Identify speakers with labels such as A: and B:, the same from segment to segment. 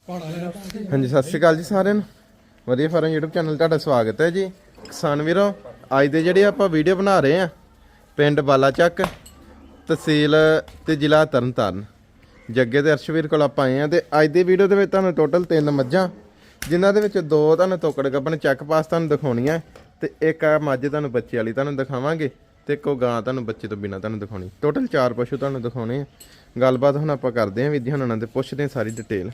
A: ਹਾਂਜੀ ਸਤਿ ਸ਼੍ਰੀ ਅਕਾਲ ਜੀ ਸਾਰਿਆਂ ਨੂੰ। ਵਧੀਆ ਫਾਰਮ YouTube ਚੈਨਲ ਤੁਹਾਡਾ ਸਵਾਗਤ ਹੈ ਜੀ। ਕਿਸਾਨ ਵੀਰੋ, ਅੱਜ ਦੇ ਜਿਹੜੇ ਆਪਾਂ ਵੀਡੀਓ ਬਣਾ ਰਹੇ ਆ ਪਿੰਡ ਬਾਲਾਚੱਕ, ਤਹਿਸੀਲ ਤੇ ਜ਼ਿਲ੍ਹਾ ਤਰਨਤਾਰਨ, ਜੱਗੇ ਤੇ ਅਰਸ਼ਵੀਰ ਕੋਲ ਆਪਾਂ ਆਏ ਆ। ਤੇ ਅੱਜ ਦੀ ਵੀਡੀਓ ਦੇ ਵਿੱਚ ਤੁਹਾਨੂੰ ਟੋਟਲ 3 ਮੱਝਾਂ, ਜਿਨ੍ਹਾਂ ਦੇ ਵਿੱਚ 2 ਤੁਹਾਨੂੰ ਤੋਕੜ ਗੱਭਣ ਚੈੱਕ ਪਾਸ ਤੁਹਾਨੂੰ ਦਿਖਾਉਣੀਆਂ, ਤੇ ਇੱਕ ਆ ਮੱਝ ਤੁਹਾਨੂੰ ਬੱਚੇ ਵਾਲੀ ਤੁਹਾਨੂੰ ਦਿਖਾਵਾਂਗੇ, ਤੇ ਇੱਕ ਗਾਂ ਤੁਹਾਨੂੰ ਬੱਚੇ ਤੋਂ ਬਿਨਾਂ ਤੁਹਾਨੂੰ ਦਿਖਾਉਣੀ। ਟੋਟਲ 4 ਪਸ਼ੂ ਤੁਹਾਨੂੰ ਦਿਖਾਉਣੇ ਆ। ਗੱਲਬਾਤ ਹੁਣ ਆਪਾਂ ਕਰਦੇ ਆਂ ਵੀਰ ਜੀ ਹੁਣਾਂ ਨਾਲ, ਤੇ ਪੁੱਛਦੇ ਆ ਸਾਰੀ ਡਿਟੇਲ।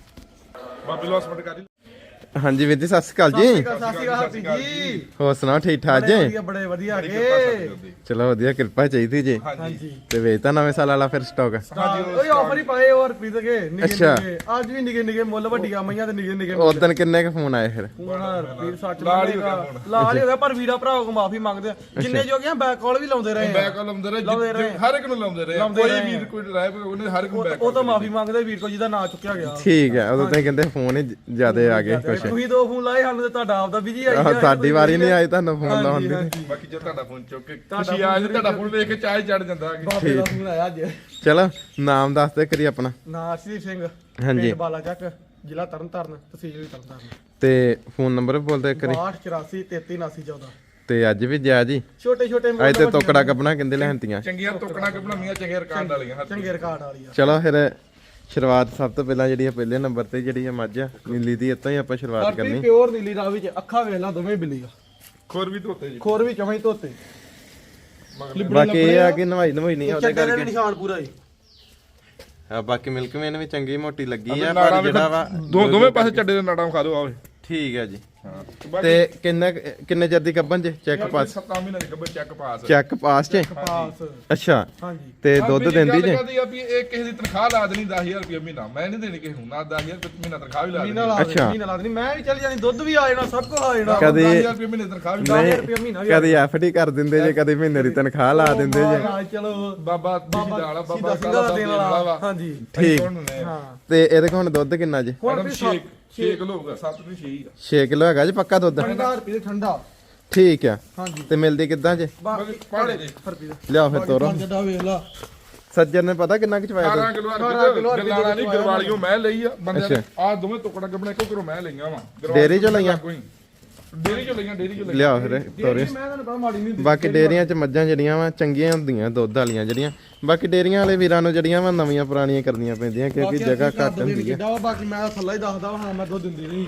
A: ਹਾਂਜੀ ਵੀਰ ਜੀ ਸਤਿ ਸ਼੍ਰੀ ਅਕਾਲ ਜੀ। ਹੋਰ ਸੁਣਾਓ, ਠੀਕ ਠਾਕ ਜੀ?
B: ਬੜੇ ਵਧੀਆ
A: ਚਲੋ ਵਧੀਆ, ਕਿਰਪਾ ਚਾਹੀਦੀ ਜੀ। ਤੇ ਵੇਚਤਾ ਨਵੇਂ ਸਾਲ ਵਾਲਾ ਫਿਰ ਸਟਾਕ?
B: ਓਏ ਆਫਰ ਹੀ ਪਾਏ ਹੋਰ ਪੀਦ ਕੇ
A: ਅੱਛਾ।
B: ਅੱਜ ਵੀ ਨਿੱਕੇ ਨਿੱਕੇ ਮੁੱਲ ਵੱਡੀਆਂ ਮਈਆਂ ਤੇ ਨਿੱਕੇ ਨਿੱਕੇ
A: ਉਦੋਂ ਕਿੰਨੇ ਕ ਫੋਨ ਆਏ ਫਿਰ?
B: ਵੀਰ ਸੱਚ ਲਾਲ ਹੀ ਹੋ ਗਿਆ, ਪਰ ਵੀਰਾ ਭਰਾ ਕੋ ਮਾਫੀ ਮੰਗਦੇ ਆ। ਜਿੰਨੇ ਜੋ ਗਿਆ ਬੈਕ ਕਾਲ ਵੀ ਲਾਉਂਦੇ ਰਹੇ,
C: ਬੈਕ ਕਾਲ ਲਾਉਂਦੇ ਰਹੇ, ਹਰ ਇੱਕ ਨੂੰ ਲਾਉਂਦੇ ਰਹੇ। ਕੋਈ ਵੀਰ ਕੋਈ ਡਰਾਈਵ ਉਹਨੇ ਹਰ ਇੱਕ ਨੂੰ ਬੈਕ
B: ਉਹ ਤਾਂ ਮਾਫੀ ਮੰਗਦੇ ਵੀਰ ਕੋ ਜਿਹਦਾ ਨਾਂ ਚੁੱਕਿਆ ਗਿਆ।
A: ਠੀਕ ਹੈ, ਉਦੋਂ ਤਾਂ ਕਹਿੰਦੇ ਫੋਨ ਹੀ ਜ਼ਿਆਦੇ ਆ ਗਏ ਕੁਛ।
B: ਤੁਸੀਂ 2 ਫੋਨ ਲਾਏ, ਸਾਨੂੰ ਤੇ ਤੁਹਾਡਾ ਆਪਦਾ ਬਿਜੀ ਆਈ ਗਿਆ।
A: ਸਾਡੀ ਵਾਰੀ ਨਹੀਂ ਆਈ ਤੁਹਾਨੂੰ ਫੋਨ ਲਾਉਣ ਦੀ।
C: ਬਾਕੀ ਜੇ ਤੁਹਾਡਾ ਫੋਨ ਚੁੱਕ ਕੇ ਖੁਸ਼ੀ ਆ ਜੇ ਤੁਹਾਡਾ ਫੋਨ ਵੇਖ ਕੇ ਚਾਹ ਚੜ ਜਾਂਦਾ।
B: ਬਾਬੇ ਦਾ ਫੋਨ ਆਇਆ ਅੱਜ।
A: ਚਲੋ ਨਾਮ ਦੱਸ ਦੇ ਕਰੀ ਆਪਣਾ।
B: ਨਾਂ ਅਰਸ਼ਦੀਪ ਸਿੰਘ,
A: ਹਾਂਜੀ।
B: ਪਿੰਡ ਬਾਲਾਚੱਕ, ਜ਼ਿਲ੍ਹਾ ਤਰਨਤਾਰਨ, ਤਹਿਸੀਲ ਤਰਨਤਾਰਨ।
A: ਤੇ ਫੋਨ ਨੰਬਰ ਬੋਲਦੇ ਕਰੀ।
B: 6284337914।
A: ਤੇ ਅੱਜ ਵੀ ਜਾ ਜੀ
B: ਛੋਟੇ ਛੋਟੇ
A: ਅੱਜ ਤੇ ਤੋਕੜਾ ਕੱਪਣਾ ਕਹਿੰਦੇ ਲੈਣਤੀਆਂ
C: ਚੰਗੀਆਂ ਟੋਕਣਾ ਕਿ ਬਣਾਉਣੀਆਂ, ਚੰਗੇ ਰਿਕਾਰਡ ਵਾਲੀਆਂ,
B: ਚੰਗੇ ਰਿਕਾਰਡ ਵਾਲੀ ਆ।
A: ਚਲੋ ਫਿਰ ਸ਼ੁਰੂਆਤ ਸਭ ਤੋਂ ਪਹਿਲਾਂ ਜਿਹੜੀ ਆ ਪਹਿਲੇ ਨੰਬਰ ਤੇ ਜਿਹੜੀ ਆ ਮੱਝ ਆ ਨੀਲੀ ਦੀ, ਇੱਥੋਂ ਹੀ ਆਪਾਂ ਸ਼ੁਰੂਆਤ ਕਰਨੀ।
B: ਪਿਓਰ ਨੀਲੀ ਰਾਵੀ ਚ ਅੱਖਾਂ ਵੇਖ ਲਾ ਦੋਵੇਂ ਬਿੱਲੀ ਆ,
C: ਖੋਰ ਵੀ ਧੋਤੇ ਜੀ,
B: ਖੋਰ ਵੀ ਚਵੇਂ ਧੋਤੇ।
A: ਬਾਕੀ ਇਹ ਆ ਕਿ ਨਵਾਈ ਨਹੀਂ ਉਹਦੇ
B: ਚੱਡੇ ਦੇ
A: ਕਰਕੇ।
B: ਨਿਸ਼ਾਨ ਪੂਰਾ ਹੀ
A: ਆ ਬਾਕੀ ਮਿਲਕ ਮੇਨ ਵੀ ਚੰਗੀ ਮੋਟੀ ਲੱਗੀ ਆ, ਪਰ ਜਿਹੜਾ ਵਾ
C: ਦੋਵੇਂ ਪਾਸੇ ਚੱਡੇ ਦੇ ਨਾੜਾਂ ਖਾ ਦਿਓ। ਆਵੇ
A: ਠੀਕ ਹੈ ਜੀ। ਤੇ ਕਿੰਨੇ ਚਿਰ ਦੀ ਕੱਬਨ ਚ ਚੈੱਕ ਪਾਸ?
C: 7 ਮਹੀਨੇ ਦੀ ਗੱਬਰ ਚੈੱਕ ਪਾਸ।
A: ਚੈੱਕ ਪਾਸ ਚ?
B: ਪਾਸ।
A: ਅੱਛਾ।
B: ਹਾਂਜੀ।
A: ਤੇ ਦੁੱਧ ਦਿੰਦੀ ਜੇ?
C: ਕਹਦੀ ਆ ਵੀ ਇਹ ਕਿਸੇ ਦੀ ਤਨਖਾਹ ਲਾ ਦੇਣੀ 10000 ਰੁਪਏ ਮਹੀਨਾ, ਮੈਂ ਨਹੀਂ ਦੇਣੀ ਕਿਸੇ ਨੂੰ, ਨਾ 10000 ਰੁਪਏ ਮਹੀਨਾ ਤਨਖਾਹ ਵੀ ਲਾ ਦੇਣੀ।
A: ਅੱਛਾ।
B: ਮਹੀਨਾ ਲਾ ਦੇਣੀ, ਮੈਂ ਵੀ ਚੱਲ ਜਾਣੀ, ਦੁੱਧ ਵੀ ਆ ਜਾਣਾ, ਸਭ ਕੁਝ ਆ ਜਾਣਾ।
A: ਕਦੇ
C: 10000 ਰੁਪਏ ਮਹੀਨੇ ਤਨਖਾਹ ਵੀ
B: 10000 ਰੁਪਏ ਮਹੀਨਾ ਵੀ
A: ਕਦੇ ਐਫਡੀ ਕਰ ਦਿੰਦੇ ਜੇ, ਕਦੇ ਮਹੀਨੇ ਦੀ ਤਨਖਾਹ ਲਾ ਦਿੰਦੇ ਜੇ।
B: ਚਲੋ
C: ਬਾਬਾ ਵਾਲਾ ਬਾਬਾ
B: ਸਿੰਘਾਂ ਦਾ ਦੇਣ ਵਾਲਾ। ਹਾਂਜੀ
A: ਠੀਕ।
B: ਹਾਂ।
A: ਤੇ ਇਹਦੇ ਕੋਲ ਹੁਣ ਦੁੱਧ ਕਿੰਨਾ ਜੇ?
C: ਹੁਣ 6 ਕਿਲੋ ਹੋਊਗਾ, 7 ਨਹੀਂ 6 ਹੀ ਆ।
A: 6 ਕਿਲੋ ਹੈਗਾ ਜੀ ਪੱਕਾ ਦੁੱਧ?
B: 50 ਰੁਪਏ ਠੰਡਾ।
A: ਠੀਕ ਆ।
B: ਹਾਂਜੀ।
A: ਤੇ ਮਿਲਦੀ ਕਿੱਦਾਂ ਜੇ?
C: ਪਾੜੇ ਜੀ
B: ਰੁਪਏ ਦਾ
A: ਲਿਆਓ ਫਿਰ ਤੋਰੋ।
B: ਜੱਡਾ ਵੇਖ ਲਾ।
A: ਸੱਜਣ ਨੇ ਪਤਾ ਕਿੰਨਾ ਕਿ ਚਵਾਇਆ?
C: 18 ਕਿਲੋ ਗਲਾਲਾ ਨਹੀਂ ਗਰਵਾਲੀਓ ਮੈਂ ਲਈ ਆ ਬੰਦੇ। ਆ ਦੋਵੇਂ ਟੁਕੜਾ ਗੱਬਣਾ ਇੱਕੋ ਘਰੋਂ ਮੈਂ ਲਈਆਂ ਵਾ।
A: ਡੇਅਰੀ ਚੋਂ ਲਈਆਂ?
C: ਡੇਅਰੀ ਚੋਂ ਲਈਆਂ, ਡੇਅਰੀ ਚੋਂ ਲਈਆਂ।
A: ਲਿਆਓ ਫਿਰ ਤੋਰੇ।
B: ਮੈਂ ਤੁਹਾਨੂੰ ਪਤਾ ਮਾੜੀ ਨਹੀਂ।
A: ਬਾਕੀ ਡੇਅਰੀਆਂ 'ਚ ਮੱਝਾਂ ਜਿਹੜੀਆਂ ਵਾ ਚੰਗੀਆਂ ਹੁੰਦੀਆਂ ਦੁੱਧ ਵਾਲੀਆਂ ਜਿਹੜੀਆਂ। ਬਾਕੀ ਡੇਅਰੀਆਂ ਵਾਲੇ ਵੀਰਾਂ ਨੂੰ ਜਿਹੜੀਆਂ ਵਾ ਨਵੀਆਂ ਪੁਰਾਣੀਆਂ ਕਰਨੀਆਂ ਪੈਂਦੀਆਂ, ਕਿਉਂਕਿ ਜਗ੍ਹਾ ਘੱਟ ਹੁੰਦੀ ਹੈ।
B: ਬਾਕੀ ਮੈਂ ਥੱਲਾ ਹੀ ਦੱਸਦਾ ਹਾਂ, ਮੈਂ ਦੁੱਧ ਦਿੰਦੀ ਨਹੀਂ।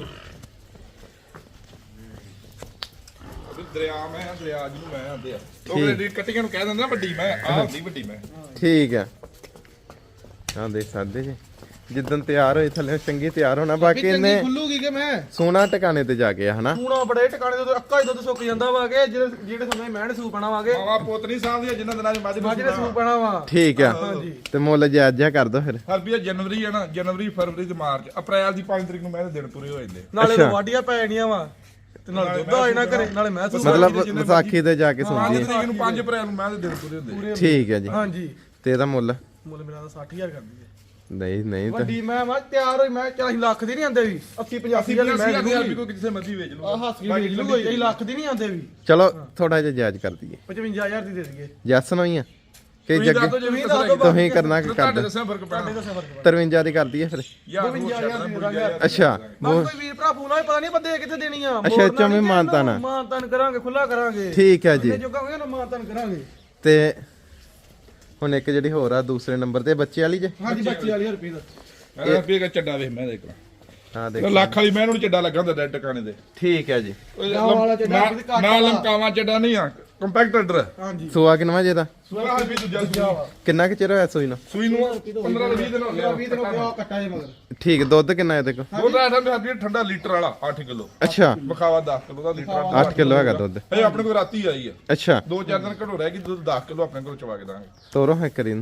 C: ਦਰਿਆ ਮੈਂ ਦਰਿਆ ਜਿਹਨੂੰ ਮੈਂ ਆਂਦੇ ਆ ਉਹ ਜਿਹੜੀ ਕੱਟੀਆਂ ਨੂੰ ਕਹਿ ਦਿੰਦੇ ਨਾ ਵੱਡੀ ਮੈਂ, ਆਹ ਹੁੰਦੀ ਵੱਡੀ ਮੈਂ।
A: ਠੀਕ ਆ। ਹਾਂ ਦੇਖ ਸਕਦੇ ਜੀ, ਜਿੱਦਣ ਤਿਆਰ ਹੋਈ ਥੱਲੇ ਚੰਗੀ ਤਿਆਰ ਹੋਣਾ। ਬਾਕੀ ਇਹਨੇ
B: ਖੁੱਲੂਗੀ ਕਿ ਮੈਂ
A: ਸੋਨਾ ਟਿਕਾਣੇ ਤੇ ਜਾ ਕੇ ਹਨਾ
B: ਸੂਣਾ ਬੜੇ ਟਿਕਾਣੇ ਤੋਂ ਅੱਕਾ ਹੀ ਦੁੱਧ ਸੁੱਕ ਜਾਂਦਾ ਵਾ ਕਿ ਜਿਹੜੇ ਸਮੇਂ ਮੈਂ ਸੂ ਪੈਣਾ ਵਾਗੇ
C: ਮਾਵਾ ਪੁੱਤ ਨਹੀਂ ਸਾਂਭਦੀਆਂ ਜਿੰਨਾਂ ਦਿਨਾਂ ਚ ਮੱਝ
B: ਮੱਝ ਨੇ ਸੂ ਪੈਣਾ ਵਾ।
A: ਠੀਕ ਆ। ਤੇ ਮੁੱਲ ਜਾਇਜ਼ ਜਿਹਾ ਕਰ ਦੋ ਫਿਰ।
C: ਹਰਬੀਆ ਜਨਵਰੀ ਹੈ ਨਾ, ਜਨਵਰੀ ਫਰਵਰੀ ਤੇ ਮਾਰਚ ਅਪ੍ਰੈਲ ਦੀ 5 ਤਰੀਕ ਨੂੰ ਮੈਂ ਦਿਨ ਪੂਰੇ ਹੋ ਜਾਂਦੇ।
B: ਨਾਲੇ ਵਾਢੀਆਂ ਪੈ ਜਾਣੀਆਂ ਵਾ ਤੇ ਨਾਲ ਦੁੱਧ ਆ ਜਾਣਾ ਘਰੇ, ਨਾਲੇ ਮੈਂ ਸੂ
A: ਮਤਲਬ ਵਿਸਾਖੀ ਤੇ ਜਾ ਕੇ
C: 5
A: ਸੁਣਦੀ
C: ਤਰੀਕ ਨੂੰ 5 ਅਪ੍ਰੈਲ ਨੂੰ ਮੈਂ ਦਿਨ ਪੂਰੇ ਹੁੰਦੇ।
A: ਠੀਕ ਹੈ ਜੀ।
B: ਹਾਂਜੀ।
A: ਤੇ ਇਹਦਾ ਮੁੱਲ
B: ਮੇਰਾ ਤਾਂ 60000 ਕਰਦੀ ਹੈ।
A: ਨਹੀਂ ਤਾਂ
B: ਵੱਡੀ ਮੈਂ ਤਿਆਰ ਹੋਈ, ਮੈਂ 40 ਲੱਖ ਦੀ ਨਹੀਂ ਆਂਦੇ ਵੀ, 80 85 ਵਾਲੀ ਮੈਂ
C: ਵੀ ਕੋਈ ਕਿਸੇ ਮਰਜ਼ੀ ਵੇਚ ਲੂ।
B: ਆ ਹੱਸ ਕੇ ਵੇਚ ਲੂ, ਇਹ ਲੱਖ ਦੀ ਨਹੀਂ ਆਂਦੇ ਵੀ।
A: ਚਲੋ ਥੋੜਾ ਜਿਹਾ ਜਾਇਜ਼ ਕਰ ਦਈਏ।
B: 55000 ਦੀ ਦੇ ਦਈਏ।
A: ਜੱਸ ਨੂੰ ਹੀ ਆ ਕਿ ਜੱਗੇ ਤੁਸੀਂ ਕਰਨਾ ਕਿ
C: ਤੁਹਾਡੇ
A: ਕਰਦੇ?
C: ਦੱਸਿਆ ਫਰਕ ਪੈਣਾ।
A: 53 ਦੀ ਕਰ ਦਈਏ ਫਿਰ।
B: 52000 ਦੀ ਦੇ
A: ਅੱਛਾ।
B: ਕੋਈ ਵੀਰ ਭਰਾ ਫੋਨ ਆਏ, ਪਤਾ ਨਹੀਂ ਬੰਦੇ ਕਿੱਥੇ ਦੇਣੀ ਆ।
A: ਅੱਛਾ ਚੋਂ ਮਾਨਤਾਨ
B: ਮਾਨਤਾਨ ਕਰਾਂਗੇ, ਖੁੱਲਾ ਕਰਾਂਗੇ।
A: ਠੀਕ ਹੈ ਜੀ।
B: ਜੋ ਕਹਾਂਗੇ ਨਾ ਮਾਨਤਾਨ ਕਰਾਂਗੇ।
A: ਤੇ ਹੁਣ ਇੱਕ ਜਿਹੜੀ ਹੋਰ ਆ ਦੂਸਰੇ ਨੰਬਰ ਤੇ ਬੱਚੇ ਵਾਲੀ ਜੇ?
B: ਹਾਂਜੀ 25000 ਰੁਪਏ ਦਾ।
C: ਮੈਂ ਰੁਪਏ ਦਾ ਚੱਡਾ ਵੇਖ ਮੈਂ ਦੇਖ ਲਾ।
A: ਹਾਂ ਦੇਖ
C: ਲੱਖ ਵਾਲੀ ਮੈਂ ਨੂੰ ਚੱਡਾ ਲੱਗਾ ਹੁੰਦਾ ਡੈਡ ਟਿਕਾਣੇ ਦੇ।
A: ਠੀਕ ਹੈ ਜੀ।
C: ਨਾ ਲਮਕਾਵਾ ਚੱਡਾ ਨਹੀਂ ਆ, ਕੰਪੈਕਟਰ।
B: ਹਾਂਜੀ।
A: ਸੂਆ ਕਿੰਨਾ ਜੇ ਦਾ?
C: ਸੂਆ ਵੀ ਦੂਜਾ
A: ਕਿੰਨਾ ਕਿ ਚਿਰ ਹੋਇਆ ਸੂਈ ਨੂੰ?
C: ਸੂਈ ਨੂੰ 15 20 ਦਿਨ ਹੋ ਗਿਆ।
B: 20 ਦਿਨ ਹੋ ਗਿਆ ਕੱਟਾ ਜੇ ਮਗਰ।
A: ਠੀਕ। ਦੁੱਧ ਕਿੰਨਾ ਇਹਦੇ ਕੋਲ?
C: ਉਹ ਤਾਂ ਠੰਡਾ ਲੀਟਰ ਵਾਲਾ 8 ਕਿਲੋ।
A: ਅੱਛਾ।
C: ਬਖਾਵਾ 10 ਕਿਲੋ ਦਾ ਲੀਟਰ।
A: 8 ਕਿਲੋ ਹੈਗਾ ਦੁੱਧ।
C: ਇਹ ਆਪਣੇ ਕੋਲ ਰਾਤੀ ਆਈ ਆ।
A: ਅੱਛਾ।
C: 2-4 ਦਿਨ ਘੜੋ ਰਹਿ ਗਈ, ਦੁੱਧ 10 ਕਿਲੋ ਆਪਣੇ ਕੋਲ ਚਵਾ ਕੇ ਦਾਂਗੇ।
A: ਤੋਰੋ ਹੈ ਕਰੀਨ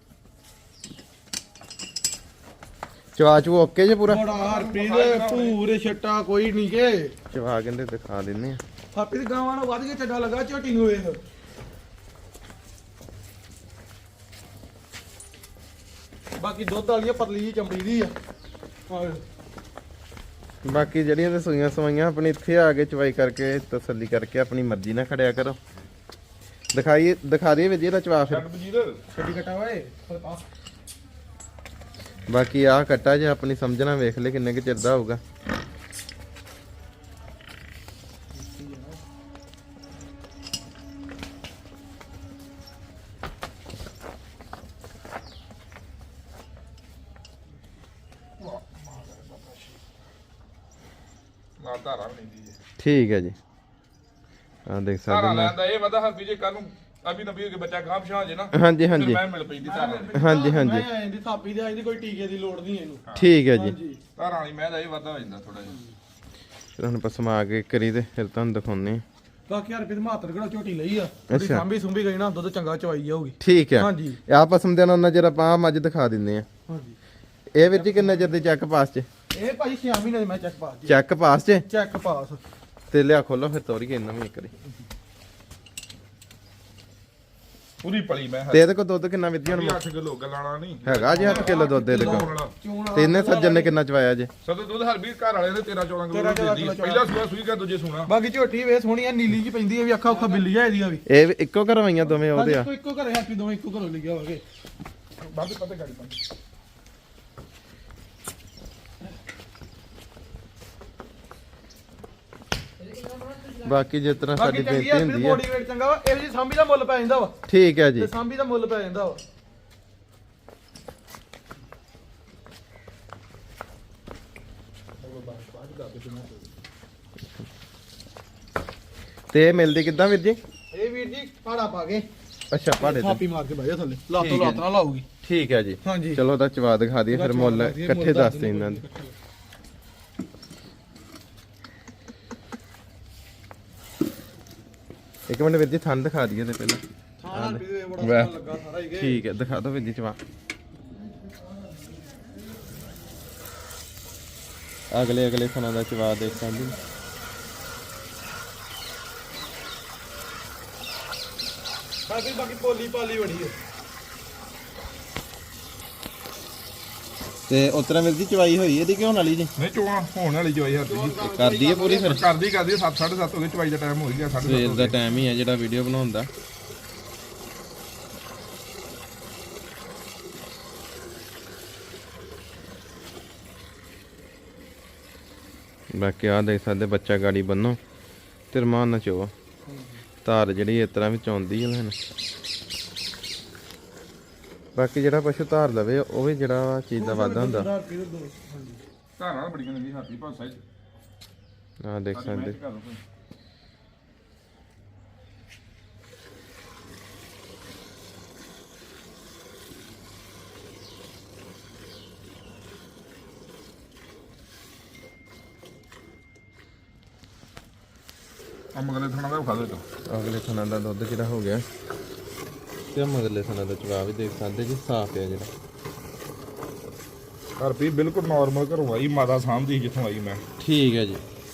A: ਚਵਾ ਚੂ ਓਕੇ ਜੇ ਪੂਰਾ?
B: ਬੜਾ ਰੁਪਏ ਦੇ ਪੂਰੇ ਛੱਟਾ ਕੋਈ ਨਹੀਂ ਕੇ
A: ਚਵਾ ਕਹਿੰਦੇ ਦਿਖਾ ਦਿੰਨੇ ਆ।
B: ਹਾਪੀ ਦੀ ਗਾਵਾਂ ਨੂੰ ਵੱਧ ਕੇ ਚੱਡਾ ਲੱਗਾ ਝੋਟੀ ਨੂੰ ਵੇਖ। ਬਾਕੀ ਦੁੱਧ ਵਾਲੀਆਂ ਪਤਲੀ ਜੀ ਚਮੜੀ ਦੀ ਆ।
A: ਬਾਕੀ ਜਿਹੜੀਆਂ ਤੇ ਸੂਈਆਂ ਸਵਾਈਆਂ ਆਪਣੀ ਇੱਥੇ ਆ ਕੇ ਚਵਾਈ ਕਰਕੇ ਤਸੱਲੀ ਕਰਕੇ ਆਪਣੀ ਮਰਜ਼ੀ ਨਾਲ ਖੜਿਆ ਕਰੋ। ਦਿਖਾ ਦਈਏ ਵੀ ਜੀ ਇਹਦਾ ਚਵਾ ਫਿਰ।
B: ਛੱਡੀ ਕਟਾ ਓਏ।
A: ਬਾਕੀ ਆਹ ਕੱਟਾ ਜੇ ਆਪਣੀ ਸਮਝਣਾ ਵੇਖ ਲੈ ਕਿੰਨੇ ਕੁ ਚਿਰ ਦਾ ਹੋਊਗਾ।
C: ਨਾ ਧਾਰਾ ਵੀ ਨਹੀਂ ਦੀ
A: ਠੀਕ ਹੈ ਜੀ। ਆ ਦੇਖ ਸਕਦੇ
C: ਧਾਰਾ
A: ਮੈਂ
C: ਲੈਂਦਾ ਇਹ ਵਧਾ ਹਰ ਜੇ ਕੱਲ ਨੂੰ ਅਭੀ ਨਬੀ ਹੋ ਕੇ ਬੱਚਾ ਗਾਂਹ ਪਿਛਾਂ ਜੇ ਨਾ
A: ਹਾਂਜੀ
C: ਫਿਰ
A: ਹਾਂਜੀ
C: ਮੈਂ ਮਿਲ ਪੈਂਦੀ ਧਾਰਾ
A: ਹਾਂਜੀ ਹਾਂਜੀ
B: ਮੈਂ ਆਂਦੀ ਥਾਪੀ ਦੇ ਆਂਦੀ ਕੋਈ ਟੀਕੇ ਦੀ ਲੋੜ ਨਹੀਂ ਇਹਨੂੰ।
A: ਠੀਕ ਹੈ ਜੀ।
B: ਹਾਂਜੀ
C: ਧਾਰਾ ਵਾਲੀ ਮੈਂ ਦਾ ਇਹ ਵਾਧਾ ਹੋ ਜਾਂਦਾ ਥੋੜਾ ਜਿਹਾ।
A: ਫਿਰ ਹੁਣ ਆਪਾਂ ਸਮਾ ਕੇ ਕਰੀ ਤੇ ਫਿਰ ਤੁਹਾਨੂੰ ਦਿਖਾਉਂਦੇ ਹਾਂ।
B: ਬਾਕੀ ਯਾਰ ਫਿਰ ਮਾਤਰ ਕਿਹੜਾ ਝੋਟੀ ਲਈ ਆ ਉਹਦੀ
A: ਅੱਛਾ।
B: ਸਾਂਭੀ ਸੁੰਭੀ ਗਈ ਨਾ ਦੁੱਧ ਚੰਗਾ ਚਵਾਈ ਜਾਊਗੀ।
A: ਠੀਕ ਹੈ।
B: ਹਾਂਜੀ
A: ਆਹ ਪਸਮ ਦੇ ਨਾਲ ਉਹਨਾਂ ਚਿਰ ਆਪਾਂ ਆਹ ਮੱਝ ਦਿਖਾ ਦਿੰਦੇ ਆ।
B: ਹਾਂਜੀ
A: ਇਹ ਵੀਰ ਜੀ ਕਿੰਨੇ ਚਿਰ ਦੀ ਚੈੱਕ ਪਾਸ ਚ?
B: ਇਹ ਭਾਈ 6 ਮਹੀਨੇ ਦੀ ਮੈਂ ਚੈੱਕ ਪਾਸ ਜੀ।
A: ਚੈੱਕ ਪਾਸ ਚ
B: ਚੈੱਕ ਪਾਸ
A: ਤੇ ਲਿਆ ਖੋਲੋ ਫਿਰ ਤੋਰੀਏ ਇਹਨਾਂ ਵੀ ਇੱਕ ਵਾਰੀ।
C: ਪੂਰੀ ਪਲੀ ਮੈਂ
A: ਤੇ ਇਹਦੇ ਕੋਲ ਦੁੱਧ ਕਿੰਨਾ ਵੀਰ ਜੀ ਹੁਣ
C: 8 ਕਿਲੋ ਗਲਾਣਾ ਨਹੀਂ
A: ਹੈਗਾ ਜੀ 8 ਕਿਲੋ ਦੁੱਧ ਇਹਦੇ ਕੋਲ।
B: ਚੂਣ
A: ਤੇ ਇਹਨੇ ਸੱਜਣ ਨੇ ਕਿੰਨਾ ਚਵਾਇਆ ਜੇ?
C: ਸਦੋਂ ਦੁੱਧ ਹਰਬੀਰ ਘਰ ਵਾਲੇ ਨੇ 13 14 ਕਿਲੋ ਦਿੰਦੀ ਪਹਿਲਾ ਸੂਆ ਸੂਈ ਕਾ ਦੂਜੇ ਸੂਣਾ
B: ਬਾਕੀ ਝੋਟੀ ਵੇ ਸੋਹਣੀ ਆ ਨੀਲੀ ਜੀ ਪੈਂਦੀ ਆ ਵੀ ਅੱਖਾਂ ਉੱਖਾਂ ਬਿੱਲੀ ਆ ਇਹਦੀਆਂ ਵੀ।
A: ਇਹ ਵੀ ਇੱਕੋ ਕਰਵਾਈਆਂ ਦੋਵੇਂ ਉਹਦੇ ਆ?
B: ਇੱਕੋ ਘਰੇ ਹੈਪੀ ਦੋਵੇਂ ਇੱਕੋ ਘਰੋਂ ਲਿਖਿਆ ਹੋਵੇ।
C: ਬਾਅਦ ਪਤੇ ਗਾੜੀ ਪਾ
A: ਬਾਕੀ ਜਿਸ ਤਰ੍ਹਾਂ ਸਾਡੀ
B: ਬਾਕੀ ਚੰਗੀ
A: ਬੇਨਤੀ
B: ਆ ਫਿਰ
A: ਹੁੰਦੀ ਹੈ।
B: ਬੋਡੀ ਵੇਟ ਚੰਗਾ ਵਾ ਇਹ ਜੀ ਸਾਂਭੀ ਦਾ ਮੁੱਲ ਪੈ ਜਾਂਦਾ ਵਾ।
A: ਠੀਕ ਹੈ ਜੀ।
B: ਤੇ ਸਾਂਭੀ ਦਾ ਮੁੱਲ ਪੈ ਜਾਂਦਾ ਵਾ।
A: ਤੇ ਇਹ ਮਿਲਦੀ ਕਿੱਦਾਂ ਵੀਰ ਜੀ?
B: ਇਹ ਵੀਰ ਜੀ ਪਾੜਾ ਪਾ ਕੇ
A: ਅੱਛਾ ਪਹਾੜੇ ਤੇ।
B: ਥਾਪੀ ਮਾਰ ਕੇ ਬਹਿ ਜਾ ਥੱਲੇ ਲੱਤ
A: ਠੀਕ ਹੈ
B: ਲੱਤ ਨਾਲ ਲਾਊਗੀ।
A: ਠੀਕ ਹੈ ਜੀ।
B: ਹਾਂਜੀ
A: ਚਲੋ ਉਹਦਾ ਚਵਾ ਦਿਖਾ ਦਈਏ ਫਿਰ ਮੁੱਲ ਇਕੱਠੇ ਦੱਸਦੇ ਇਹਨਾਂ ਦੇ। ਇੱਕ ਮਿੰਟ ਵੀਰ ਜੀ ਥਣ ਦਿਖਾ ਦਈਏ ਤੇ ਪਹਿਲਾਂ।
B: ਹਾਂ ਵੀ ਬੜਾ ਸੋਹਣਾ ਲੱਗਾ ਸਾਰਾ ਹੀ
A: ਠੀਕ ਹੈ ਦਿਖਾ ਦਿਓ ਵੀਰ ਜੀ ਚਵਾ। ਅਗਲੇ ਥਣਾਂ ਦਾ ਚਵਾ ਦੇਖ ਸਕਦੇ ਹੋ।
B: ਬਾਕੀ ਪੋਲੀ ਪਾਲੀ ਬੜੀ ਹੈ।
A: ਤੇ ਉਤਰਾ ਵੀਰ ਜੀ ਚਵਾਈ ਹੋਈ ਇਹਦੀ ਕਿਉਂ ਵਾਲੀ ਜੀ?
C: ਨਹੀਂ ਚੋਣਾ ਹੋਣ ਵਾਲੀ ਜਵਾਈ ਹਰਬੀਰ
A: ਕਰ ਦਈਏ ਪੂਰੀ ਫਿਰ?
C: ਕਰਦੀ 7 7:30 ਹੋ ਗਏ ਚਵਾਈ ਦਾ ਟਾਈਮ ਹੋ ਗਿਆ 7:30
A: ਸਵੇਰ ਦਾ ਟਾਈਮ ਹੀ ਹੈ ਜਿਹੜਾ ਵੀਡੀਓ ਬਣਾਉਣ ਦਾ। ਬਾਕੀ ਆ ਦੇਖ ਸਕਦੇ ਬੱਚਾ ਗਾੜੀ ਬੰਨੋ ਤੇ ਰਮਾਨ ਨਾ ਚੋਵਾ ਧਾਰ ਜਿਹੜੀ ਇਸ ਤਰ੍ਹਾਂ ਵਿੱਚ ਆਉਂਦੀ ਹੈ ਲੈਣ। ਬਾਕੀ ਜਿਹੜਾ ਪਸ਼ੂ ਧਾਰ ਲਵੇ ਉਹ ਵੀ ਜਿਹੜਾ ਚੀਜ਼ ਦਾ ਵਾਧਾ ਹੁੰਦਾ।
C: ਧਾਰਾਂ ਬੜੀਆਂ ਨੇ ਵੀ ਹਾਥੀ ਭਾਸਾ ਚ
A: ਆ ਦੇਖ ਸਕਦੇ
C: ਆ ਮਗਲੇ ਥਾਣਾ ਦਾ ਖਾ ਦੇ ਤੋ
A: ਅਗਲੇ ਥਣਾ ਦਾ ਦੁੱਧ ਜਿਹੜਾ ਹੋ ਗਿਆ ਤੇ ਮਗਲੇ ਥਣਾ ਦਾ ਚਵਾ ਵੀ ਦੇਖ ਸਕਦੇ ਜੀ ਸਾਫ਼ ਹੈ ਜਿਹੜਾ।
C: ਹਰਬੀਰ ਬਿਲਕੁਲ ਨਾਰਮਲ ਘਰੋਂ ਆਈ ਮਾਤਾ ਸਾਹਮਣੇ ਜਿੱਥੋਂ ਆਈ ਮੈਂ।
A: ਠੀਕ ਹੈ ਜੀ।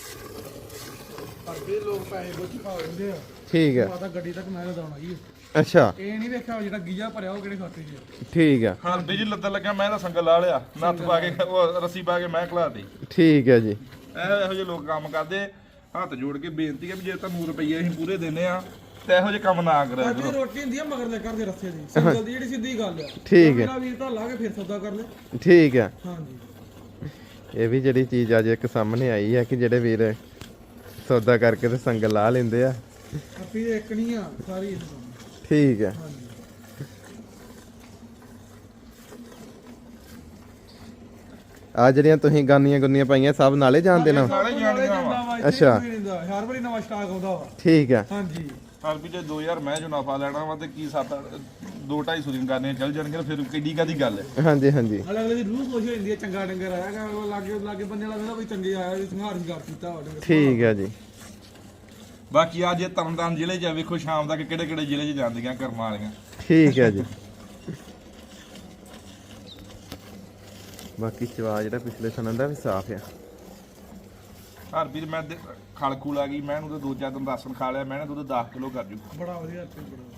B: ਹਰਬੀਰ ਲੋਕ ਪੈਸੇ ਬੁੱਝ ਪਾ ਲੈਂਦੇ ਆ।
A: ਠੀਕ ਹੈ।
B: ਮਾਤਾ ਗੱਡੀ ਤੱਕ ਮੈਂ ਲਦਾਉਣਾ ਜੀ।
A: ਅੱਛਾ
B: ਇਹ ਨਹੀਂ ਵੇਖਿਆ ਜਿਹੜਾ ਗੀਜਾ ਭਰਿਆ ਉਹ ਕਿਹੜੇ ਖਾਤੇ 'ਚ।
A: ਠੀਕ ਹੈ।
C: ਹਰਬੀਰ ਜੀ ਲੱਦਣ ਲੱਗਿਆ ਮੈਂ ਤਾਂ ਸੰਗਲ ਲਾ ਲਿਆ ਨੱਥ ਪਾ ਕੇ ਉਹ ਰੱਸੀ ਪਾ ਕੇ ਮੈਂ ਖਲਾਤੀ।
A: ਠੀਕ ਹੈ ਜੀ।
C: ਇਹੋ ਜਿਹੇ ਲੋਕ ਕੰਮ ਕਰਦੇ ਹੱਥ ਜੋੜ ਕੇ ਬੇਨਤੀ ਹੈ ਵੀ ਜੇ ਤੁਹਾਨੂੰ ਰੁਪਈਏ ਅਸੀਂ ਪੂਰੇ ਦਿੰਨੇ ਆ ਤੇ ਇਹੋ ਜਿਹੇ ਕੰਮ ਨਾ ਕਰਿਆ
B: ਸਾਡੀ
C: ਕਰੋ।
B: ਰੋਟੀ ਹੁੰਦੀ ਆ ਮਗਰਲੇ ਘਰ ਦੇ ਰਸਤੇ ਦੀ ਸਿੰਗਲ ਦੀ ਜਿਹੜੀ ਸਿੱਧੀ ਗੱਲ ਆ।
A: ਠੀਕ ਹੈ।
B: ਮੇਰਾ ਵੀਰ ਤਾਂ ਲਾ ਕੇ ਫਿਰ ਸੌਦਾ ਕਰ ਲੈ।
A: ਠੀਕ ਹੈ।
B: ਹਾਂਜੀ
A: ਇਹ ਵੀ ਜਿਹੜੀ ਚੀਜ਼ ਅੱਜ ਇੱਕ ਸਾਹਮਣੇ ਆਈ ਹੈ ਕਿ ਜਿਹੜੇ ਵੀਰ ਸੌਦਾ ਕਰਕੇ ਤੇ ਸੰਗ ਲਾ ਲੈਂਦੇ ਆ।
B: ਆਪੀ ਦੇ ਇੱਕ ਨਹੀਂ ਆ ਸਾਰੀ ਇਸ ਤੋਂ।
A: ਠੀਕ ਹੈ।
B: ਹਾਂਜੀ
A: ਆ ਜਿਹੜੀਆਂ ਤੁਸੀਂ ਗਾਨੀਆਂ ਗੁੰਨੀਆਂ ਪਾਈਆਂ ਸਭ ਨਾਲੇ ਜਾਣਦੇ ਨਾ?
C: ਨਾਲੇ ਜਾਣੀਆਂ ਵਾ।
A: ਅੱਛਾ।
B: ਹਰ ਵਾਰੀ ਨਵਾਂ ਸਟਾਕ ਆਉਂਦਾ ਵਾ।
A: ਠੀਕ ਹੈ।
B: ਹਾਂਜੀ
C: ਹਰਬੀਰ ਜੇ 2000 ਮੈਂ ਜੋ ਨਫਾ ਲੈਣਾ ਵਾ ਤੇ ਕੀ 2-2.5 ਦੀਆਂ ਗਾਨੀਆਂ ਚੱਲ ਜਾਣਗੀਆਂ ਫਿਰ ਕਿੱਡੀ ਕਾਦੀ ਗੱਲ ਹੈ।
A: ਹਾਂਜੀ ਹਾਂਜੀ।
B: ਅਗਲੇ ਦੀ ਰੂਹ ਖੁਸ਼ ਹੋ ਜਾਂਦੀ ਹੈ ਚੰਗਾ ਡੰਗਰ ਆਇਆ ਉਹ ਲਾਗੇ ਬੰਦੇ ਵਾਲਾ ਕਹਿੰਦਾ ਕੋਈ ਚੰਗੇ ਆਇਆ ਜੀ ਸੰਘਾਰ ਸ਼ਿਕਾਰ ਕੀਤਾ ਵਾ ਡੰਗਰ।
A: ਠੀਕ ਹੈ ਜੀ।
C: ਬਾਕੀ ਅੱਜ ਇਹ ਤਰਨਤਾਰਨ ਜ਼ਿਲ੍ਹੇ 'ਚ ਵੇਖੋ ਸ਼ਾਮ ਤੱਕ ਕਿਹੜੇ ਕਿਹੜੇ ਜ਼ਿਲ੍ਹੇ 'ਚ ਜਾਂਦੀਆਂ ਕਰਮਾਂ ਵਾਲੀਆਂ।
A: ਠੀਕ ਹੈ ਜੀ। ਬਾਕੀ ਚਵਾ ਜਿਹੜਾ ਪਿਛਲੇ ਸਨਾਂ ਦਾ ਵੀ ਸਾਫ਼ ਆ।
C: ਹਰਬੀਰ ਮੈਂ ਖਲ ਖੂਲ ਆ ਗਈ ਮੈਂ ਉਹਨੂੰ ਤੇ 2-4 ਦਿਨ ਰਾਸ਼ਨ ਖਾ ਲਿਆ ਮੈਂ ਨਾ ਦੁੱਧ 10 ਕਿਲੋ ਕਰ ਜੂ।
B: ਬੜਾ ਵਧੀਆ ਤੇ ਬੜਾ ਵਧੀਆ।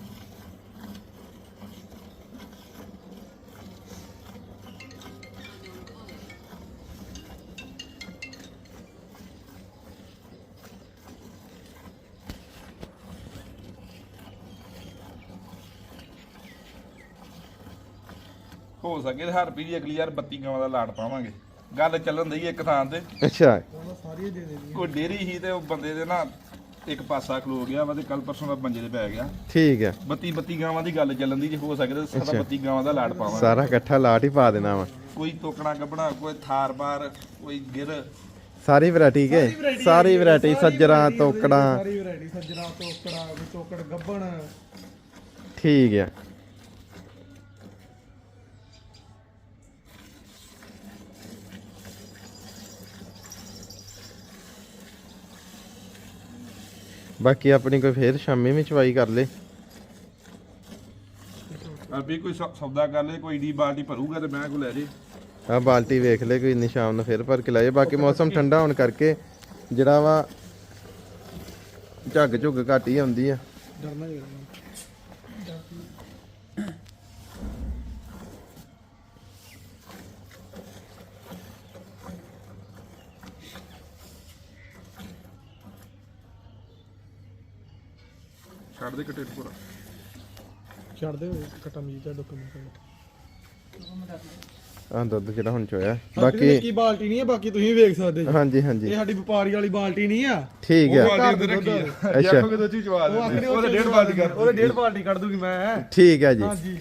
C: ਹੋ ਸਕੇ ਤੇ ਹਰ ਪੀੜੀ ਅਗਲੀ ਯਾਰ 32 ਗਾਵਾਂ ਦਾ ਲਾਟ ਪਾਵਾਂਗੇ। ਗੱਲ ਚੱਲਣ ਦਈ ਇੱਕ ਥਾਂ ਤੇ
A: ਅੱਛਾ
B: ਸਾਰੀਆਂ ਦੇ ਦੇਣੀ
C: ਕੋਈ ਡੇਰੀ ਹੀ ਤੇ ਉਹ ਬੰਦੇ ਦੇ ਨਾ ਇੱਕ ਪਾਸਾ ਖਲੋ ਗਿਆ ਵਾ ਤੇ ਕੱਲ ਪਰਸੋਂ ਦਾ ਮੰਜੇ ਤੇ ਪੈ ਗਿਆ।
A: ਠੀਕ ਹੈ
C: 32 ਗਾਵਾਂ ਦੀ ਗੱਲ ਚੱਲਣ ਦੀ, ਜੇ ਹੋ ਸਕੇ ਤਾਂ 32 ਗਾਵਾਂ ਦਾ ਲਾਟ ਪਾਵਾਂਗੇ।
A: ਸਾਰਾ ਇਕੱਠਾ ਲਾਟ ਹੀ ਪਾ ਦੇਣਾ ਵਾ।
C: ਕੋਈ ਤੋਕਣਾ ਗੱਬਣਾ, ਕੋਈ ਥਾਰ ਬਾਰ, ਕੋਈ ਗਿਰ,
A: ਸਾਰੀ ਵੈਰਾਈਟੀ ਕੇ ਸਾਰੀ ਵੈਰਾਈਟੀ ਸੱਜਰਾਂ ਤੋਕੜਾਂ
B: ਸਾਰੀ ਵੈਰਾਈਟੀ ਸੱਜਣਾ ਤੋਕੜਾ ਕੋਈ ਤੋਕੜ ਗੱਬਣ।
A: ਠੀਕ ਹੈ। ਬਾਕੀ ਆਪਣੀ ਕੋਈ ਫੇਰ ਸ਼ਾਮੀ ਵੀ ਚਵਾਈ ਕਰ ਲੇ।
C: ਅਭੀ ਕੋਈ ਸੌਦਾ ਕਰ ਲੇ, ਕੋਈ ਡੀ ਬਾਲਟੀ ਭਰੂਗਾ ਤੇ ਮੈਂ ਕੋ ਲੈ ਜੇ।
A: ਆ ਬਾਲਟੀ ਵੇਖ ਲੈ ਕੋਈ ਇੰਨੀ ਸ਼ਾਮ ਨੂੰ ਫੇਰ ਭਰ ਕੇ ਲਾਏ। ਬਾਕੀ ਮੌਸਮ ਠੰਡਾ ਹੋਣ ਕਰਕੇ ਜਿਹੜਾ ਵਾ ਝੱਗ ਝੁੱਗ ਘੱਟ ਹੀ ਆਉਂਦੀ ਆ।
B: ਡਰਨਾ ਹੀ
C: ਛੱਡ ਦੇ ਕਟੇਟ ਪੂਰਾ।
B: ਛੱਡ ਦੇ ਕਟਾ ਮੀਟ ਦਾ ਡਾਕੂਮੈਂਟ।
A: ਆ ਦੁੱਧ ਜਿਹੜਾ ਹੁਣ ਚੋਇਆ।
B: ਬਾਕੀ
A: ਬਾਕੀ
B: ਕੀ ਬਾਲਟੀ ਨਹੀਂ ਹੈ, ਬਾਕੀ ਤੁਸੀਂ ਵੇਖ ਸਕਦੇ ਜੀ।
A: ਹਾਂਜੀ ਹਾਂਜੀ
B: ਇਹ ਸਾਡੀ ਵਪਾਰੀ ਵਾਲੀ ਬਾਲਟੀ ਨਹੀਂ ਆ।
A: ਠੀਕ ਹੈ
C: ਬਾਲਟੀ ਅੰਦਰ ਰੱਖੀ ਆ।
A: ਅੱਛਾ।
C: ਦੇਖੋ ਕਿਦੋਂ ਚੀ ਚਵਾ ਦੇ। ਉਹਦੇ 1.5 ਬਾਲਟੀ ਕਰ।
B: ਉਹਦੇ 1.5 ਬਾਲਟੀ ਕੱਢ ਦੂਗੀ ਮੈਂ।
A: ਠੀਕ ਹੈ ਜੀ।
B: ਹਾਂਜੀ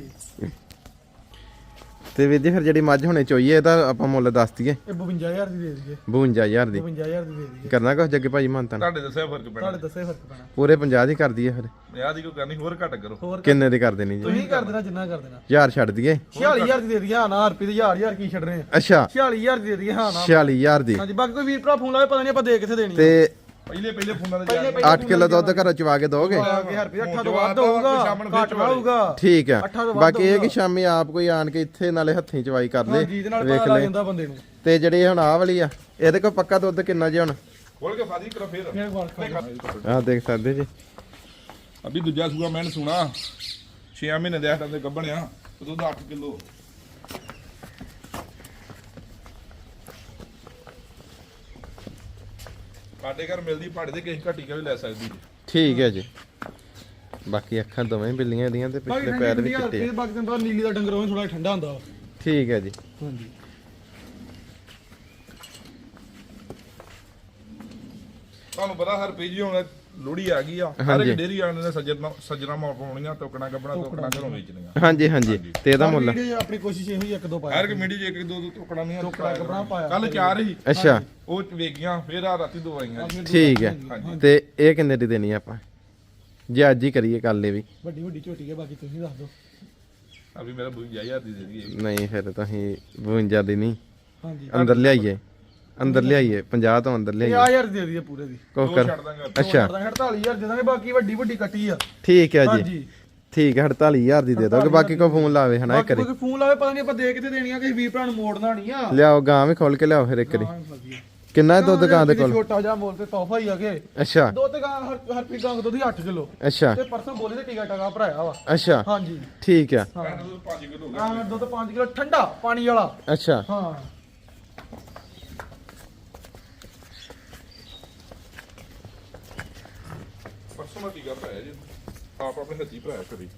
A: ਤੇ ਵੀਰ ਜੀ ਫਿਰ ਜਿਹੜੀ ਮੱਝ ਹੁਣੇ ਚੋਈਏ ਇਹਦਾ ਆਪਾਂ ਮੁੱਲ ਦੱਸ ਦਈਏ।
B: ਇਹ 52000 ਦੀ ਦੇ ਦਈਏ।
A: 52000 ਦੀ
B: 52000 ਦੀ ਦੇ ਦਈਏ।
A: ਕਰਨਾ ਕੁਛ ਜੱਗੇ ਭਾਜੀ ਮੰਨਤਾ
C: ਤੁਹਾਡੇ ਦੱਸਿਆ ਫਰਕ ਪੈਣਾ।
B: ਤੁਹਾਡੇ ਦੱਸੇ ਫਰਕ ਪੈਣਾ।
A: ਪੂਰੇ 50 ਦੀ ਕਰ ਦਈਏ ਫਿਰ।
C: ਵਿਆਹ ਦੀ ਕੋਈ ਕਰਨੀ, ਹੋਰ ਘੱਟ ਕਰੋ।
B: ਹੋਰ
A: ਕਿੰਨੇ ਦੀ ਕਰ ਦੇਣੀ ਜੀ?
B: ਤੁਸੀਂ ਕਰ ਦੇਣਾ ਜਿੰਨਾ ਕਰ ਦੇਣਾ।
A: 1000 ਛੱਡ ਦਈਏ।
B: 46000 ਦੀ ਦੇ ਦਈਏ। ਹਾਂ ਨਾ ਰੁਪਏ ਦੀ 1000 ਕੀ ਛੱਡ ਰਹੇ ਆ।
A: ਅੱਛਾ
B: 46000 ਦੀ ਦੇ ਦਈਏ। ਹਾਂ ਨਾ
A: 46000 ਦੀ।
B: ਹਾਂਜੀ ਬਾਕੀ ਕੋਈ ਵੀਰ ਭਰਾ ਫੋਨ ਲਾਵੇ ਪਤਾ ਨਹੀਂ ਆਪਾਂ ਦੇ ਕਿੱਥੇ ਦੇਣੀ।
A: ਤੇ
C: ਪਹਿਲੇ ਫੋਨਾਂ ਤੇ ਜਾ
A: 8 ਕਿਲੋ ਦੁੱਧ ਘਰੋਂ ਚਵਾ ਕੇ ਦੋਗੇ?
B: 1000 ਰੁਪਏ 8 ਤੋਂ ਵੱਧ ਹੋਊਗਾ, ਘੱਟ ਹੋਊਗਾ।
A: ਠੀਕ ਹੈ।
B: ਅੱਠਾਂ ਤੋਂ ਵੱਧ
A: ਬਾਕੀ ਇਹ ਕਿ ਸ਼ਾਮੀ ਆਪ ਕੋਈ ਆਣ ਕੇ ਇੱਥੇ ਨਾਲੇ ਹੱਥੀਂ ਚਵਾਈ ਕਰ ਲੇ,
B: ਜੀ ਦੇ ਨਾਲ
A: ਵੇਖ
B: ਪਤਾ ਲੱਗ
A: ਲੈ।
B: ਜਾਂਦਾ ਬੰਦੇ ਨੂੰ।
A: ਤੇ ਜਿਹੜੀ ਹੁਣ ਆਹ ਵਾਲੀ ਆ ਇਹਦੇ ਕੋਲ ਪੱਕਾ ਦੁੱਧ ਕਿੰਨਾ ਜੀ ਹੁਣ?
C: ਖੋਲ ਕੇ ਫਾਦੀ ਕਰੋ ਫੇਰ।
B: ਫੇਰ ਵਰਕ
A: ਆਹ ਦੇਖ ਸਕਦੇ ਜੀ।
C: ਅਭੀ ਦੂਜਾ ਸੂਆ ਮੈਂ ਸੁਣਾ 6 ਮਹੀਨੇ ਦੇ ਹੱਥਾਂ ਤੇ ਗੱਬਣਿਆ ਦੁੱਧ 8 ਕਿਲੋ। ਸਾਡੇ ਘਰ ਮਿਲਦੀ ਭਾੜੇ ਦੇ ਕਿਸੇ ਘੱਟੀ ਵੀ ਲੈ ਸਕਦੀ ਜੀ।
A: ਠੀਕ ਹੈ ਜੀ। ਬਾਕੀ ਅੱਖਾਂ ਦੋਵੇਂ ਬਿੱਲੀਆਂ ਇਹਦੀਆਂ ਤੇ ਪਿਛਲੇ ਪੈਰ ਵੀ ਚਿੱਟੇ ਆ।
B: ਬਾਕੀ ਦਿਨ ਬਾਅਦ ਨੀਲੀ ਦਾ ਡੰਗਰ ਉਹ ਥੋੜਾ ਠੰਡਾ ਹੁੰਦਾ ਵਾ।
A: ਠੀਕ ਹੈ ਜੀ।
B: ਹਾਂਜੀ
C: ਤੁਹਾਨੂੰ ਪਤਾ ਹਰ ਪੀਜੀ ਹੁਣ ਲੋੜੀ ਆ ਗਈ ਆ। ਹਰ ਇੱਕ ਡੇਰੀ ਵਾਲੇ ਨੇ ਸੱਜਣਾ ਮੌੜ ਪਾਉਣੀਆਂ, ਟੋਕਣਾ ਗੱਬਣਾ ਟੋਕਣਾ ਘਰੋਂ ਵੇਚਣੀਆਂ।
A: ਹਾਂਜੀ ਹਾਂਜੀ। ਤੇ ਇਹਦਾ ਮੁੱਲ?
B: ਆਪਣੀ ਕੋਸ਼ਿਸ਼ ਇਹੋ ਹੀ ਇੱਕ ਦੋ ਪਾਇਆ।
C: ਹਰ ਇੱਕ ਮੀਡੀ 'ਚ ਇੱਕ ਦੋ ਟੋਕਣਾ ਨਹੀਂ
B: ਟੋਕਣਾ ਗੱਬਣਾ ਪਾਇਆ।
C: ਕੱਲ 4 ਹੀ
A: ਅੱਛਾ
C: ਉਹ ਵੇਗੀਆਂ, ਫੇਰ ਆ ਰਾਤੀ 2 ਆਈਆਂ ਜੀ।
A: ਠੀਕ ਹੈ। ਤੇ ਇਹ ਕਿੰਨੇ ਦੀ ਦੇਣੀ ਆਪਾਂ ਜੇ ਅੱਜ ਹੀ ਕਰੀਏ ਕੱਲ ਇਹ ਵੀ?
B: ਵੱਡੀ ਵੱਡੀ ਝੋਟੀ ਹੈ, ਬਾਕੀ ਤੁਸੀਂ ਦੱਸ ਦਿਓ।
C: ਅਭੀ ਮੇਰਾ 52000 ਦੀ ਦੇ ਦਈਏ।
A: ਨਹੀਂ ਫਿਰ ਤੁਸੀਂ 52 ਦੀ ਨਹੀਂ,
B: ਹਾਂਜੀ
A: ਅੰਦਰ ਲਿਆਈਏ, ਅੰਦਰ ਲਿਆਈਏ 50 ਤੋਂ ਅੰਦਰ ਲਿਆਈਏ।
B: 50000 ਦੇ ਦਈਏ ਪੂਰੇ ਦੀ।
A: ਕੋ
C: ਦੋ
A: ਕਰ।
C: ਛੱਡ ਦਾਂਗੇ।
A: ਅੱਛਾ
B: 48000 ਦੇ ਦਾਂਗੇ। ਬਾਕੀ ਵੱਡੀ ਵੱਡੀ ਕੱਟੀ ਆ।
A: ਠੀਕ ਹੈ ਜੀ।
B: ਹਾਂਜੀ
A: ਠੀਕ ਹੈ 48000 ਦੀ ਦੇ ਦੋਗੇ। ਬਾਕੀ ਕੋ ਫੋਨ ਲਾਵੇ ਹਨਾ
B: ਬਾਕੀ
A: ਕਰੇ।
B: ਕੋਈ ਫੋਨ ਲਾਵੇ ਪਤਾ ਨਹੀਂ ਆਪਾਂ ਦੇ ਕਿੱਥੇ ਦੇਣੀਆਂ, ਕਿਸੇ ਵੀਰ ਭਰਾ ਨੂੰ ਮੋੜਨਾ ਨਹੀਂ ਆ।
A: ਲਿਆਓ ਗਾਂ ਵੀ ਖੋਲ ਕੇ ਲਿਆਓ ਫਿਰ ਇੱਕ ਵਾਰੀ। ਕਿੰਨਾ ਹੈ ਦੁੱਧ ਗਾਂ ਦੇ ਕੋਲ?
B: ਛੋਟਾ ਜਿਹਾ ਮੋਲ ਤੇ ਤੋਹਫਾ ਹੀ ਆ ਕੇ।
A: ਅੱਛਾ
B: ਦੁੱਧ ਗਾਂ ਹਰ ਪੀ ਗਾਂ ਦੁੱਧ 8 ਕਿਲੋ।
A: ਅੱਛਾ
B: ਤੇ ਪਰਸੋਂ ਬੋਲੇ ਤੇ ਟੀਕਾ ਟਾਕਾ ਭਰਾਇਆ ਵਾ।
A: ਅੱਛਾ
B: ਹਾਂਜੀ
A: ਠੀਕ ਹੈ।
B: ਹਾਂ
C: 5 ਕਿਲੋ
B: ਹਾਂ ਦੁੱਧ 5 ਕਿਲੋ ਠੰਡਾ ਪਾਣੀ ਵਾਲਾ।
A: ਅੱਛਾ
B: ਹਾਂ
C: ਪਰਸੋਂ ਮੈਂ ਟੀਕਾ ਭਰਾਇਆ ਜੀ, ਆਪ ਆਪਣੇ ਹੱਥੀ ਭਰਾਇਆ ਕਰੀ।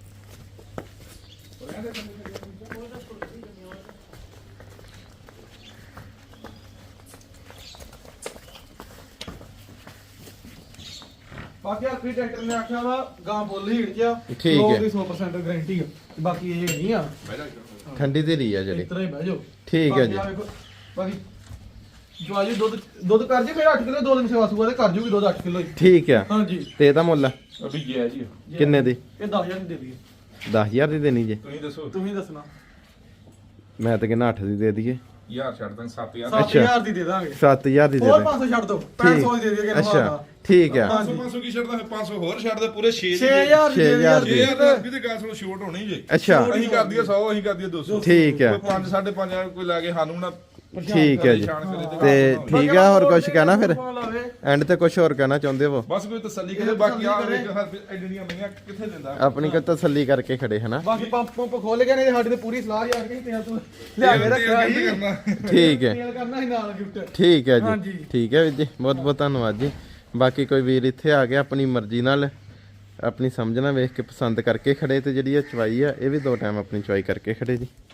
B: ਬਾਕੀ ਆਪਣੀ ਟਰੈਕਟਰ ਨੇ ਆਖਿਆ ਵਾ ਗਾਂ ਬੋਲੀ ਹੀੜ ਚ ਆ।
A: ਠੀਕ ਹੈ।
B: 100% ਗਾਰੰਟੀ ਆ। ਬਾਕੀ ਇਹ ਨਹੀਂ ਆ।
A: ਠੰਡੀ ਤੇ ਲਈ ਆ ਜਿਹੜੀ।
B: ਇਤਰਾ ਹੀ ਬਹਿ ਜਾਓ।
A: ਠੀਕ ਹੈ ਜੀ।
B: ਬਾਕੀ ਆਹ ਵੇਖੋ, ਬਾਕੀ ਜਵਾਜੀ ਦੁੱਧ ਕਰ ਜੇ ਫਿਰ 8 ਕਿਲੋ 2 ਦਿਨ ਸੇਵਾ ਸੂਆ ਤੇ ਕਰ ਜੂਗੀ ਦੁੱਧ 8 ਕਿਲੋ ਹੀ।
A: ਠੀਕ ਹੈ।
B: ਹਾਂਜੀ
A: ਤੇ ਇਹਦਾ ਮੁੱਲ
C: ਅਭੀ ਗਿਆ ਜੀ।
A: ਕਿੰਨੇ ਦੀ?
B: ਇਹ 10000 ਦੀ ਦੇ ਦਈਏ।
A: 10000 ਦੀ ਦੇਣੀ ਜੇ?
C: ਤੁਸੀਂ ਦੱਸੋ।
B: ਤੁਸੀਂ ਦੱਸਣਾ।
A: ਮੈਂ ਤਾਂ ਕਹਿੰਦਾ 8 ਦੀ ਦੇ ਦਈਏ।
C: ਯਾਰ ਛੱਡ ਦਾਂ 7000।
B: 7000 ਦੀ ਦੇ ਦਾਂਗੇ।
A: 7000 ਦੀ ਦੇ
B: ਹੋਰ
A: ਦੇ।
B: 500 ਛੱਡ ਦੋ। 500 ਦੀ ਦੇ ਦਈਏ ਕਿ
A: ਅੱਛਾ ਠੀਕ ਹੈ।
C: 500 ਕੀ ਛੱਡਦਾ, 500 ਹੋਰ ਛੱਡ ਦੇ, ਪੂਰੇ 6
B: 6000 ਦੀ ਦੇ
A: 6000
B: ਦਈਏ।
C: ਇਹ ਵੀ ਤੇ ਗੱਲ ਸੁਣੋ, ਛੋਟ ਹੋਣੀ ਜੇ।
A: ਅੱਛਾ
C: ਅਸੀਂ ਕਰ ਦਈਏ 100, ਅਸੀਂ ਕਰ ਦਈਏ 200।
A: ਠੀਕ ਹੈ।
C: ਕੋਈ 5 5.5 ਕੋਈ ਲਾ ਕੇ ਸਾਨੂੰ ਨਾ
A: ਠੀਕ ਹੈ ਜੀ।
C: ਪਰੇਸ਼ਾਨ ਕਰੇ
A: ਤੇ ਠੀਕ ਆ, ਹੋਰ ਕੁਝ ਕਹਿਣਾ ਫਿਰ?
B: ਲਾਵੇ।
A: ਐਂਡ ਤੇ ਕੁਝ ਹੋਰ ਕਹਿਣਾ ਚਾਹੁੰਦੇ ਹੋ?
C: ਬਸ ਕੋਈ ਤਸੱਲੀ ਕਰੇ। ਬਾਕੀ ਆ ਵੇਖ ਹਰ ਐਡੀਆਂ ਮਈਆਂ ਕਿੱਥੇ ਦਿੰਦਾ।
A: ਆਪਣੀ ਕੋ ਤਸੱਲੀ ਕਰਕੇ ਖੜੇ ਹਨਾ।
B: ਬਾਕੀ ਪੰਪ ਖੋਲ ਗਿਆ ਨਹੀਂ ਸਾਡੀ ਤੇ ਪੂਰੀ ਸਲਾਹ ਯਾਰ ਕਿ ਤੇਲ ਤੂੰ ਲਿਆ ਕੇ ਰੱਖਿਆ ਸੀ।
C: ਕਰਨਾ।
A: ਠੀਕ ਹੈ।
B: ਤੇਲ ਕਰਨਾ ਸੀ ਨਾਲ ਗਿਫਟ।
A: ਠੀਕ ਹੈ
B: ਹਾਂਜੀ।
A: ਜੀ। ਠੀਕ ਹੈ ਵੀਰ ਜੀ, ਬਹੁਤ ਬਹੁਤ ਧੰਨਵਾਦ ਜੀ। ਬਾਕੀ ਕੋਈ ਵੀਰ ਇੱਥੇ ਆ ਗਿਆ ਆਪਣੀ ਮਰਜ਼ੀ ਨਾਲ ਆਪਣੀ ਸਮਝ ਨਾਲ ਵੇਖ ਕੇ ਪਸੰਦ ਕਰਕੇ ਖੜੇ ਤੇ ਜਿਹੜੀ ਇਹ ਚਵਾਈ ਆ ਇਹ ਵੀ 2 ਟਾਈਮ ਆਪਣੀ ਚਵਾਈ ਕਰਕੇ ਖੜੇ ਜੀ।